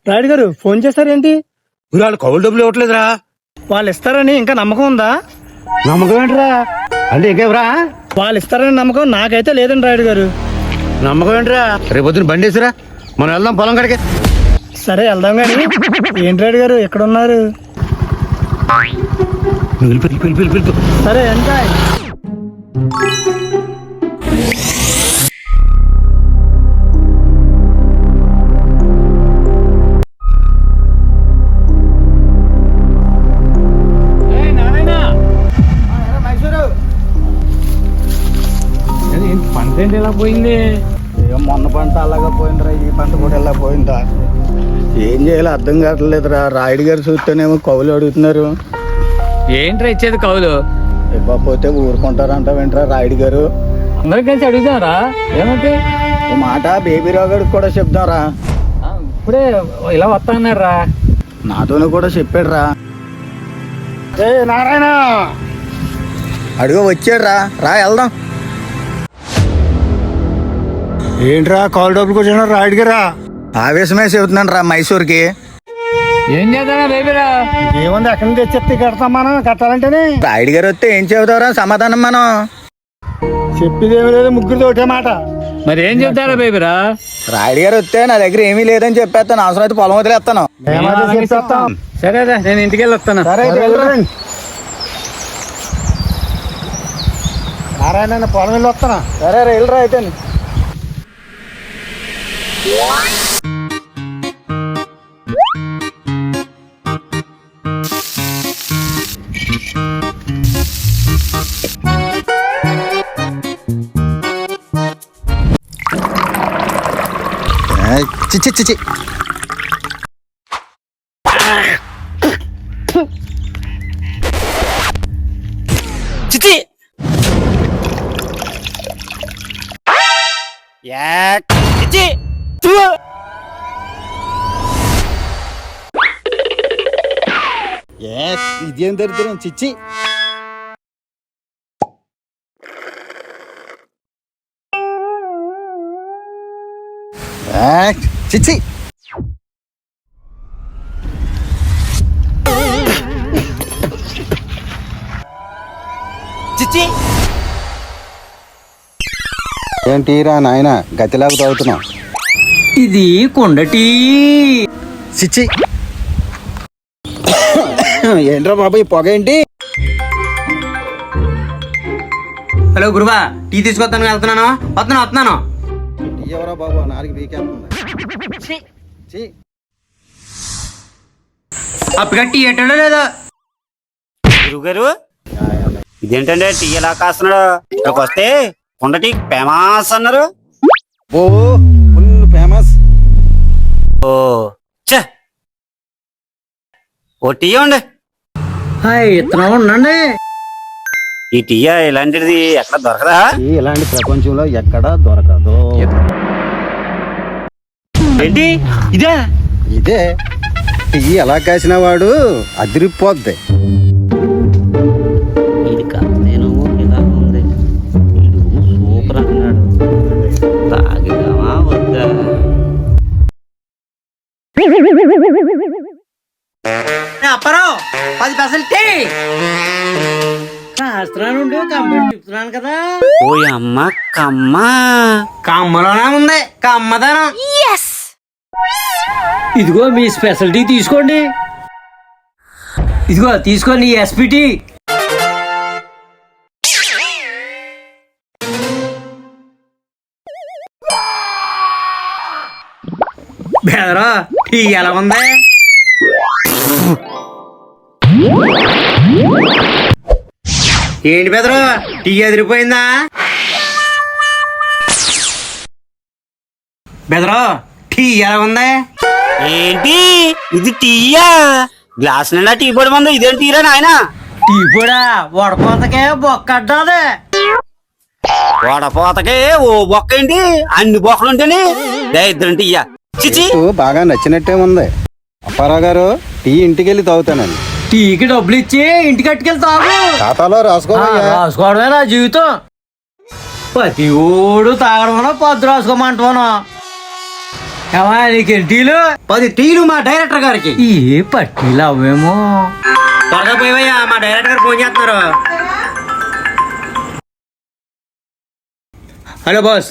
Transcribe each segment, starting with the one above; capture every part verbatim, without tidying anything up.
రాయుడు గారు ఫోన్ చేశారేంటి? వాళ్ళు కౌలు డబ్బులు ఇవ్వట్లేదురా. వాళ్ళు ఇస్తారని ఇంకా నమ్మకం ఉందా? నమ్మకం ఏంటిరా? అంటే ఇంకేవరా? వాళ్ళు ఇస్తారని నమ్మకం నాకైతే లేదండి రాయుడు గారు. నమ్మకం ఏంటిరా? రేపు పొద్దున బండి వేసిరా, మనం వెళ్దాం పొలం కాడికి. సరే వెళ్దాం గాని ఏంటి రాయుడు గారు ఎక్కడ ఉన్నారు? సరే ఎంజాయ్. పంట ఏంటి ఇలా పోయింది? మొన్న పంట అలాగా పోయిందిరా, ఈ పంట కూడా ఎలా పోయిందా? ఏం చేయాలో అర్థం కావట్లేదురా. రాయుడు గారు చూస్తేనేమో కౌలు అడుగుతున్నారు. ఏంట్రా ఇచ్చేది కౌలు? ఇవ్వకపోతే ఊరుకుంటారంట. వెంటరా రాయుడు గారు, అందరం కలిసి అడుగుతారా? ఏమంటే ఓ మాట బేబీరావు గారికి కూడా చెప్దాంరా. ఇప్పుడే ఇలా వస్తాన్నారు రా. నాతోనే కూడా చెప్పాడు రా. ఏ నారాయణ అడుగు వచ్చాడు రా. రా వెళ్దాం. ఏంట్రా కాల్ డబ్బులు కూర్చున్నా రాయుడు గారా? ఆవేశమే చెబుతున్నాను రా మైసూర్కి. ఏం చేద్దానా బేబీరా? ఏముంది ఎక్కడి నుంచి తెచ్చి కడతాం మనం. కట్టాలంటేనే రాయుడు గారు వస్తే ఏం చెబుతారా సమాధానం? మనం చెప్పేదేమీ లేదు, ముగ్గురితో ఒకటే మాట. మరి ఏం చెప్తారా బేబీరా? రాయుడు గారు వస్తే నా దగ్గర ఏమీ లేదని చెప్పేస్తాను. అవసరం అయితే పొలం వదిలేస్తాను. సరేరా, నేను ఇంటికి వెళ్ళి వస్తాను. నారాయణ పొలం వెళ్ళి వస్తాను. సరే వెళ్ళరా అయితే. చిచి చిచి చిచి యాక్ చిచి చూ. ఇదేం దరిద్రం చిచ్చి. చిచ్చి చిచ్చి ఏంటిరా నాయన గతిలాగా తాగుతున్నావు? ఇది కొండటి చిచ్చి. ఏంట్రా బాబు ఈ పొగ ఏంటి? హలో గురువా, టీ తీసుకొస్తాను వెళ్తున్నాను. వస్తున్నాను వస్తున్నాను. ఎవరా బాబు నాలుగు వీకేస్తుంది. అప్పగా టీ ఎట్టడో లేదో. గురువు గారు ఇదేంటంటే టీ ఎలా కాస్తున్నాడు? ఇక్కడికి వస్తే కొండ టీ ఫేమస్ అన్నారు. ఓ ఫుల్ ఫేమస్. ఓ చే ఓ టీ ఇవ్వండి. ఇత్తనం ఉండండి. ఈ టీ ఇలాంటిది ఎక్కడ దొరకదా? ఇలాంటి ప్రపంచంలో ఎక్కడా దొరకదు. ఏంటి ఇదే? ఇదే టీ ఎలా కాసిన వాడు అదిరిపోద్ది. ఇది కాస్తేను ఇలా ఉంది. ఇది సూపర్ అన్నాడు. తాగిదామా వద్దా? అప్పరావు పది పైసలు టీ. చెప్తున్నాను కదా. ఓ అమ్మ కమ్మ. కమ్మలోనే ఉంది కమ్మదనం. ఇదిగో మీ స్పెషాలిటీ తీసుకోండి. ఇదిగో తీసుకోండి ఎస్పిటి. బెదరా టీ ఎలా ఉంది? ఏంటి బెదరు టీ ఎదిరిపోయిందా? బెదరు టీ ఎలా ఉంది? ఏంటి ఇది టీయా? గ్లాస్ నిండా టీ పొడి మంది. ఇదేం టీరా నాయన? టీ కూడా వడపోతకే బొక్కడ్డాది. వడపోతకే ఓ బొక్క ఏంటి? అన్ని బొక్కలు ఉంటేనే ఇద్దరు టీయా. చిచి బాగా నచ్చినట్టే ఉంది. అప్పారావు గారు టీ ఇంటికి వెళ్ళి తాగుతానండి. టీకి డబ్బులు ఇచ్చి ఇంటికి కట్టుకెళ్ళి తాగు. ఖాతాలో రాసుకోవాలి. రాసుకోవడమే నా జీవితం. ప్రతి ఊడు తాగడం పద్దు రాసుకోమంటాను. ఏమా నీకు టీలు పది టీలు మా డైరెక్టర్ గారికి ఏ పట్టీలు అవేమో. త్వరగా పోయివయ్యా, మా డైరెక్టర్ గారు ఫోన్ చేస్తున్నారు. Hello boss.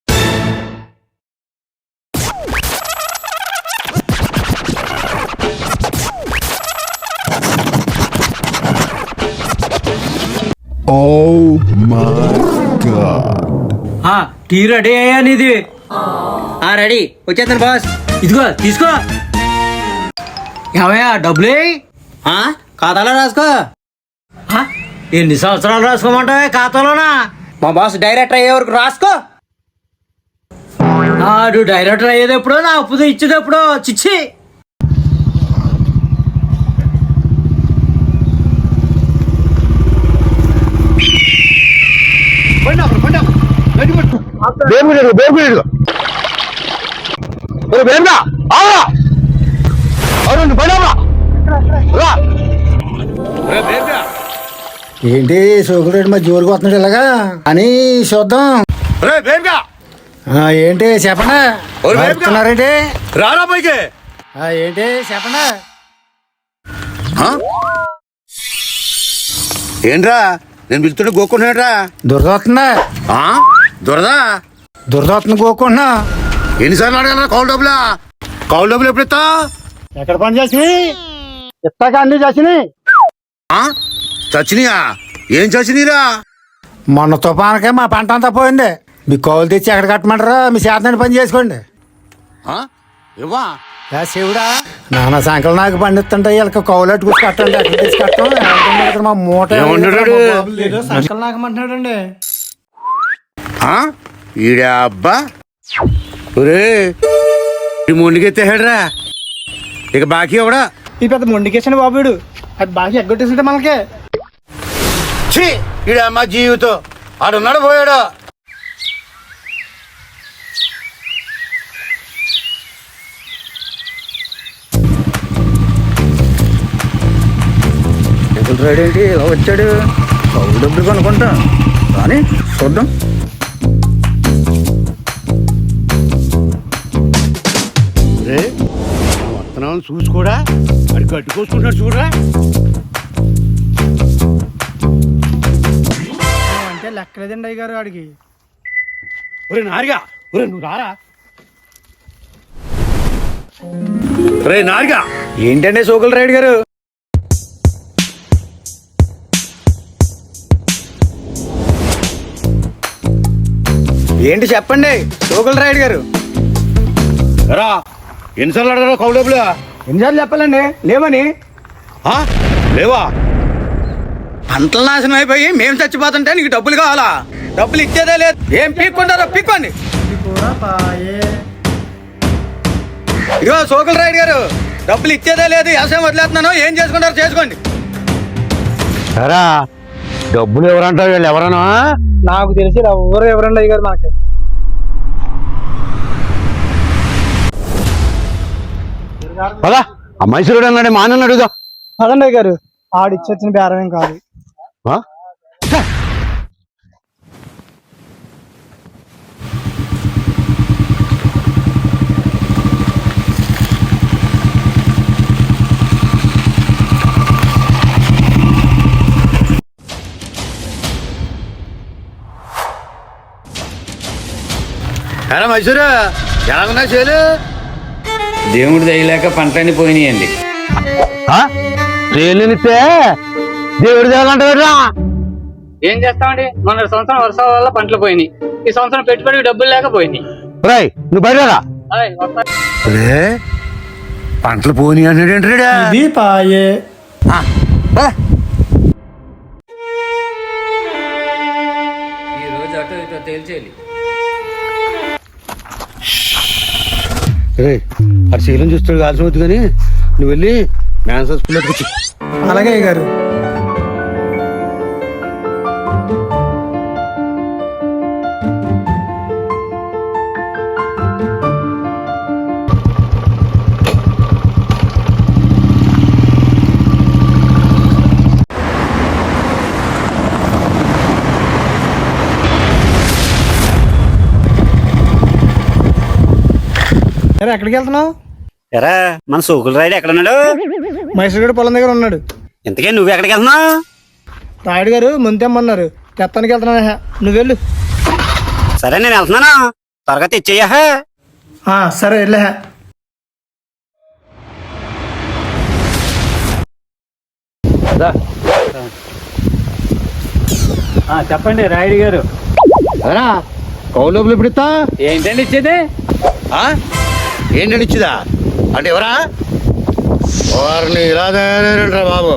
Oh my god. ఆ, టీ రెడీ అయ్యా నీది. రెడీ వచ్చేస్తాను బాస్. ఇదిగో తీసుకో. ఏమయ్యా డబ్బులే ఆ, ఖాతాలో రాసుకో. ఎన్ని సంవత్సరాలు రాసుకోమంటావే ఖాతాలోనా? మా బాస్ డైరెక్టర్ అయ్యే వరకు రాసుకో. ఆడు డైరెక్టర్ అయ్యేది ఎప్పుడో, నా అప్పు ఇచ్చేది ఎప్పుడో. చిచ్చి. ఏంటి సోకులేడు మా జోరుగా వస్తున్నాడు ఇలాగా అని చూద్దాం. ఆ, ఏంటి చెప్పండి. చెప్తున్నారేంటి? రారా పైకి. ఆ, ఏంటి చెప్పండి. ఏంట్రా నేను పిలుతుంటే గోక్కున్నాడ్రా. దురద వస్తుందా? దొరదా దురద వస్తుంది గోక్కుంటున్నా. ఎన్నిసార్లు అడగలరా కౌలు డబ్బులా? కౌలు డబ్బులు ఎప్పుడు ఇస్తా? ఎక్కడ పని చేసినాయి? ఇస్తాక అన్ని చేసినాయి. చచ్చినాయా? ఏం చచ్చినీరా? మొన్న తుఫానకే మా పంట అంతా పోయింది. మీ కౌలు తెచ్చి ఎక్కడ కట్టమంటారా? మీ చేతని పని చేసుకోండి. ఇవ్వా యా శివుడా, నాన్న సంకలు నాకు పండిస్తుంటే వీళ్ళకి కౌలు అట్టుకుని కట్టండి. ఎక్కడ తెచ్చి కట్టం. ఇక్కడ మా మూట ఏమంటున్నాడు? సంకలు నాకమంటున్నాడండి. ఈడే అబ్బా ఒరే మొండికెత్తేహాడ్రా. ఇక బాకీ ఎవడా? ఈ పెద్ద మొండికేసిన బాబుడు అది బాగా ఎగ్గొట్టేసింటే మనకి. ఛీ ఈడే అమ్మ జీవితం. ఆడున్నాడు పోయాడు. రెడీ ఏంటి ఇలా వచ్చాడు? కౌలు డబ్బులు కొనుక్కుంటా కానీ చూద్దాం. రే వస్తున్నామని చూసుకోడా? అది కట్టుకోసుకుంటున్నాడు చూడరా. అంటే లెక్కలేదండి అయ్య గారు ఆడికి. ఒరే నారిగా, ఒరే నువ్వు రారా. రే నారిగా. ఏంటండి సోకుల రైడ్ గారు? ఏంటి చెప్పండి సోకుల రైడ్ గారు. రా ఎన్నిసార్లు అడగరా కౌలు డబ్బులు? ఎన్నిసార్లు చెప్పాలండి లేవని? ఆ? లేవా? పంటలు నాశనం అయిపోయి మేము చచ్చిపోతుంటే నీకు డబ్బులు కావాలా? డబ్బులు ఇచ్చేదే లేదు. ఏం పీక్కుంటారో పీక్కోండి. ఇదిగో సోకుల రైడ్ గారు, డబ్బులు ఇచ్చేదే లేదు. వ్యవసాయం వదిలేస్తున్నాను. ఏం చేసుకుంటారో చేసుకోండి. రా డబ్బులు ఎవరంటారు? వీళ్ళు ఎవరన్నా? నాకు తెలిసి ఎవరు ఎవరండి అయ్య గారు మనకి. పదా ఆ మైసూరుడు అన్నాడే మా అన్న అడుగుదా. అదండి అయ్య గారు, ఆడిచ్చొచ్చిన బేరమేం కాదు. ఎరా మైసూరు ఎలాగున్నా చేలు? దేవుడు దయలేక పంటలన్నీ పోయినాయండి. చేలునిస్తే దేవుడు దేవాలంటారా? ఏం చేస్తామండి, మొన్న సంవత్సరం వర్షాల వల్ల పంటలు పోయినాయి. ఈ సంవత్సరం పెట్టుబడికి డబ్బులు లేక పోయినాయి. రై నువ్వు బయటరా. ఆయ్, వస్తా. రే పంటలు పోనీ అన్నాడు ఏంటాడా? ఇది పాయే. ఈ రోజు అటు ఇటు తేల్చేయాలి. రే అది శీలం చూస్తాడు కాల్సిన వద్దు కానీ నువ్వు వెళ్ళి మ్యాన్స్ హాస్పిటల్ కూర్చో. అలాగే అయ్య గారు. సరే ఎక్కడికి వెళ్తున్నావు? ఎరా మన సోకుల రాయుడు ఎక్కడున్నాడు? మైసూరుగడ పొలం దగ్గర ఉన్నాడు. ఇంతకీ నువ్వు ఎక్కడికి వెళ్తున్నావు? రాయుడు గారు ముంతేమన్నారు, తెత్తానికి వెళ్తున్నా. నువ్వు వెళ్ళు. సరే నేను వెళ్తున్నాను, త్వరగా తెచ్చేయ్యా. ఆ, సరే వెళ్ళా. చెప్పండి రాయుడు గారు. అరా కౌలు డబ్బులు ఎప్పుడు ఇస్తా? ఏంటండి ఇచ్చేది? ఆ? ఏంటని ఇచ్చిదా అంటే ఎవరా? వారిని ఇలా తయారైనట్రా బాబు.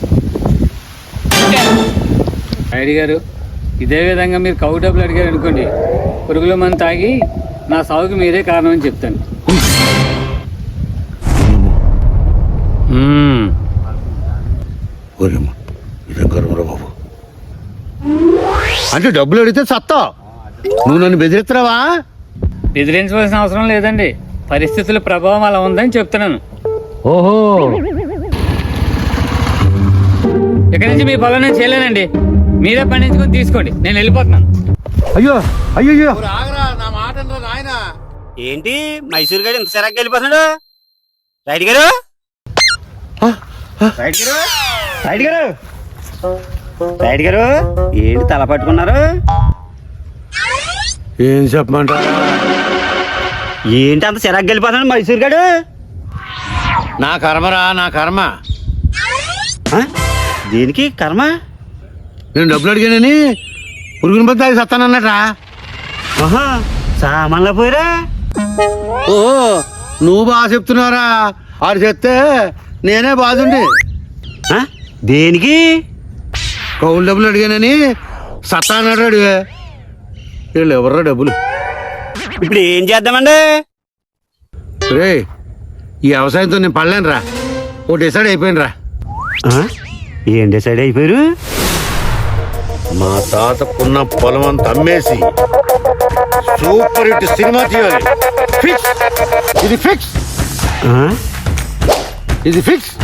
రాయుడు గారు, ఇదే విధంగా మీరు కౌ డబ్బులు అడిగారు అనుకోండి, పురుగుల మందు తాగి నా సాగుకి మీరే కారణం అని చెప్తాను. ఓరేమ్మా, ఇదే గర్వరా బాబు. అంటే డబ్బులు అడిగితే సత్తా, నువ్వు నన్ను బెదిరిస్తున్నావా? బెదిరించవలసిన అవసరం లేదండి, పరిస్థితుల ప్రభావం అలా ఉందని చెప్తున్నాను. ఓహో, ఇక్కడి నుంచి మీ పొలం నేను చేయలేనండి, మీరే పండించుకొని తీసుకోండి, నేను వెళ్ళిపోతున్నాను. అయ్యో అయ్యో, ఏంటి మైసూరు గారు ఇంత సిరాగ్గా వెళ్ళిపోతున్నాడు? రైడ్ గారు, రైడ్ గారు, రైడ్ గారు, రైడ్ గారు, ఏంటి తల పట్టుకున్నారు? ఏం చెప్పమంటారా? ఏంటి అంత సిరాగ్గా వెళ్ళిపోతున్నాడు మైసూరు గారు? నా కర్మరా, నా కర్మ. ఆ? దేనికి కర్మ? నేను డబ్బులు అడిగానని పురుగుని బద్ద తాగి సత్తానన్నట్రా. ఆహా, సామాన్లో పోయిరా? ఓహో, నువ్వు బాగా చెప్తున్నారా? ఆడు చెప్తే నేనే బాధుండి. ఆ? దేనికి? కౌలు డబ్బులు అడిగానని సత్తా అన్నాడు అడిగా. వీళ్ళు ఎవర్రా డబ్బులు? ఇప్పుడు ఏం చేద్దామండి? రే, ఈ వ్యవసాయంతో నేను పడలేను రా, ఓ డిసైడ్ అయిపోయాను రా. ఆ? ఏం డిసైడ్ అయిపోయారు? మా తాతకున్న పొలం అంతా అమ్మేసి సూపర్ హిట్ సినిమా తీయాలి. ఫిక్స్, ఇది ఫిక్స్, ఆ? ఇది ఫిక్స్.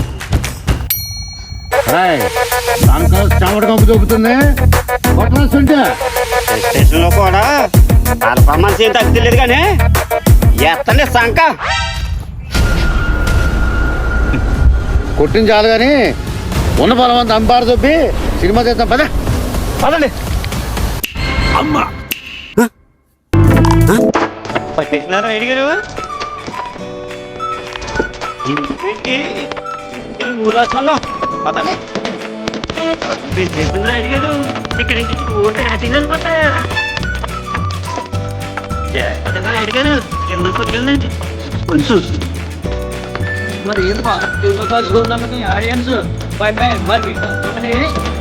దానికో చెమట కంపు దొబ్బుతుంది. కొట్టవలసింటే స్టేషన్ లో కూడా పర్ఫార్మెన్స్ ఏం తగ్గలేదు కానీ ఎత్తండి సంక. కొట్టిన చాలు కానీ ఉన్న పొలం అంతా అంబారు దొబ్బి సినిమా చేద్దాం. పద పదండి. అమ్మా, పట్టేసినారు రైడ్ గారు. ఊరాసంలో పదండి. రైడ్ గారు ఇక్కడి నుంచి అనుకుంటా రైడ్ గారు ఎందుకు కొట్టిందండి కొంచెం మరి ఏంటి ఆడియన్స్